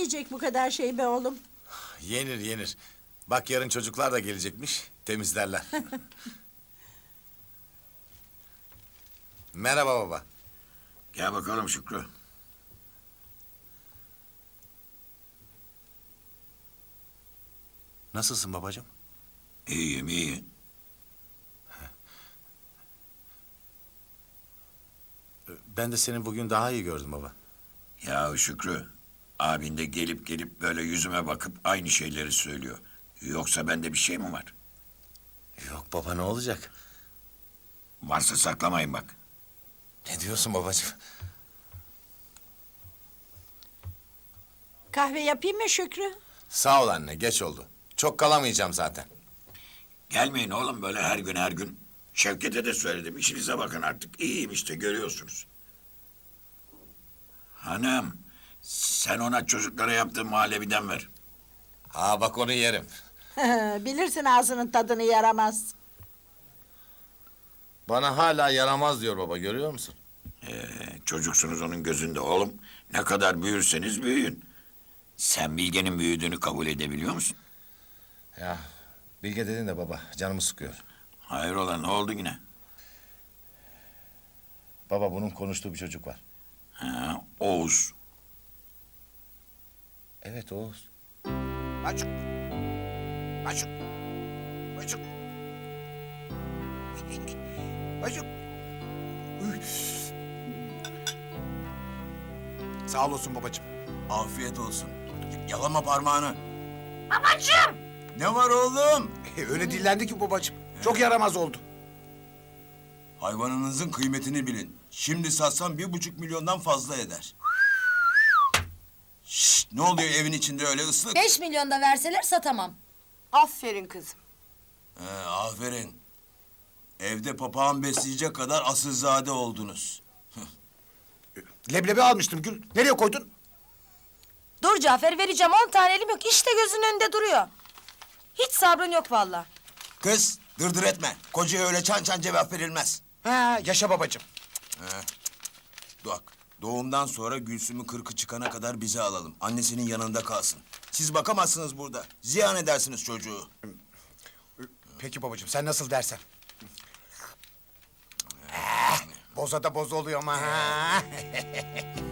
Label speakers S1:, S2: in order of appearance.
S1: yiyecek bu kadar şey be oğlum?
S2: Yenir yenir. Bak yarın çocuklar da gelecekmiş. Temizlerler. Merhaba baba.
S3: Gel bakalım Şükrü.
S2: Nasılsın babacığım?
S3: İyiyim, iyi.
S2: Ben de seni bugün daha iyi gördüm baba.
S3: Ya Şükrü, abin de gelip gelip böyle yüzüme bakıp aynı şeyleri söylüyor. Yoksa bende bir şey mi var?
S2: Yok baba, ne olacak?
S3: Varsa saklamayın bak.
S2: Ne diyorsun babacığım?
S1: Kahve yapayım mı Şükrü?
S2: Sağ ol anne, geç oldu. Çok kalamayacağım zaten.
S3: Gelmeyin oğlum böyle her gün her gün. Şevket'e de söyledim, işinize bakın artık. İyiyim işte, görüyorsunuz. Hanım, sen ona çocuklara yaptığın muhallebiden ver.
S2: Ha bak, onu yerim.
S1: Bilirsin ağzının tadını yaramaz.
S2: Bana hala yaramaz diyor baba, görüyor musun?
S3: Çocuksunuz onun gözünde oğlum. Ne kadar büyürseniz büyüyün. Sen Bilge'nin büyüdüğünü kabul edebiliyor musun?
S2: Ya Bilge dedin de baba, canımı sıkıyor.
S3: Hayrola, ne oldu yine?
S2: Baba, bunun konuştuğu bir çocuk var.
S3: Ha, Oğuz.
S2: Evet, Oğuz.
S3: Açık. Açık. Açık. Açık.
S4: Sağ olasın babacığım.
S5: Afiyet olsun. Yalama parmağını.
S1: Babacığım!
S5: Ne var oğlum?
S4: Öyle dillendi ki babacığım. Çok yaramaz oldu.
S5: Hayvanınızın kıymetini bilin. Şimdi satsam 1,5 milyondan fazla eder. Şşt, ne oluyor evin içinde öyle ıslık?
S6: 5 milyon da verseler satamam.
S7: Aferin kızım.
S5: Aferin. Evde papağan besleyecek kadar asılzade oldunuz.
S4: Leblebi almıştım Gül. Nereye koydun?
S6: Dur Cafer, vereceğim 10 tane, elim yok. İşte gözünün önünde duruyor. Hiç sabrın yok vallahi.
S5: Kız, dırdır etme. Kocaya öyle çan çan cevap verilmez.
S4: Ha, yaşa babacığım.
S5: Bak, doğumdan sonra Gülsüm'ü 40'ı çıkana kadar bize alalım. Annesinin yanında kalsın. Siz bakamazsınız burada. Ziyan edersiniz çocuğu.
S4: Peki babacığım, sen nasıl dersen. Boza da boz oluyor ama ha.